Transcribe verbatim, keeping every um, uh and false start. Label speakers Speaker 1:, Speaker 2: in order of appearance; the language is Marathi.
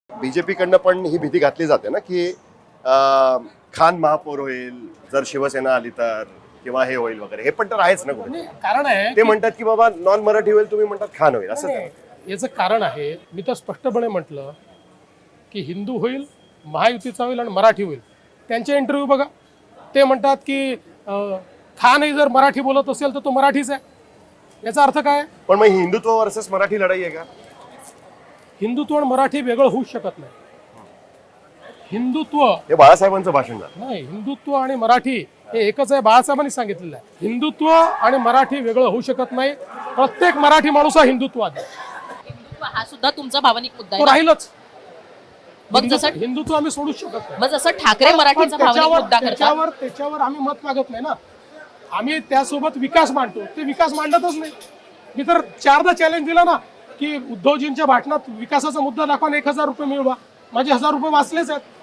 Speaker 1: बीजेपीकडनं पण ही भीती घातली जाते ना की अं, खान महापौर होईल जर शिवसेना आली तर, किंवा हे होईल वगैरे. हे पण तर आहेच ना कुठे.
Speaker 2: नाही, कारण आहे
Speaker 1: ते
Speaker 2: की-
Speaker 1: म्हणतात की बाबा नॉन मराठी होईल, तुम्ही म्हणतात खान होईल, असं
Speaker 2: नाही, याचं कारण आहे, मी तर स्पष्टपणे म्हटलं की हिंदू होईल, महायुतीचा होईल आणि मराठी होईल. त्यांचे इंटरव्ह्यू बघा, ते म्हणतात की अं, खानही जर मराठी बोलत असेल तर तो मराठीच आहे. याचा अर्थ काय?
Speaker 1: पण मग हिंदुत्व वर्सेस मराठी लढाई आहे का?
Speaker 2: हिंदुत्व आणि मराठी वेगळं होऊ शकत नाही. हिंदुत्व
Speaker 1: हे बाळासाहेबांचं भाषण झालं.
Speaker 2: नाही, हिंदुत्व आणि मराठी हे एकच आहे, बाळासाहेबांनी सांगितलेलं आहे. हिंदुत्व आणि मराठी वेगळं होऊ शकत नाही. प्रत्येक मराठी माणूस हा हिंदुत्ववादी आहे.
Speaker 3: हिंदुत्व हा सुद्धा तुमचा भावनिक मुद्दा
Speaker 2: तो
Speaker 3: आहे ना?
Speaker 2: राहीलच.
Speaker 3: मग
Speaker 2: हिंदुत्व
Speaker 3: जसं
Speaker 2: हिंदुत्व आम्ही सोडूच शकत नाही.
Speaker 3: मग जसं ठाकरे
Speaker 2: पण
Speaker 3: मराठीचा भावनिक
Speaker 2: त्याच्यावर
Speaker 3: मुद्दा करतात,
Speaker 2: त्याच्यावर त्याच्यावर आम्ही मत मागत नाही ना. आम्ही त्यासोबत विकास मांडतो, ते विकास मांडतच नाही. मी तर चारदा चॅलेंज दिला ना की उद्धवजींच्या भाषणात विकासाचा मुद्दा दाखवा आणि एक हजार रुपये मिळवा. माझे हजार रुपये वाचलेच आहेत.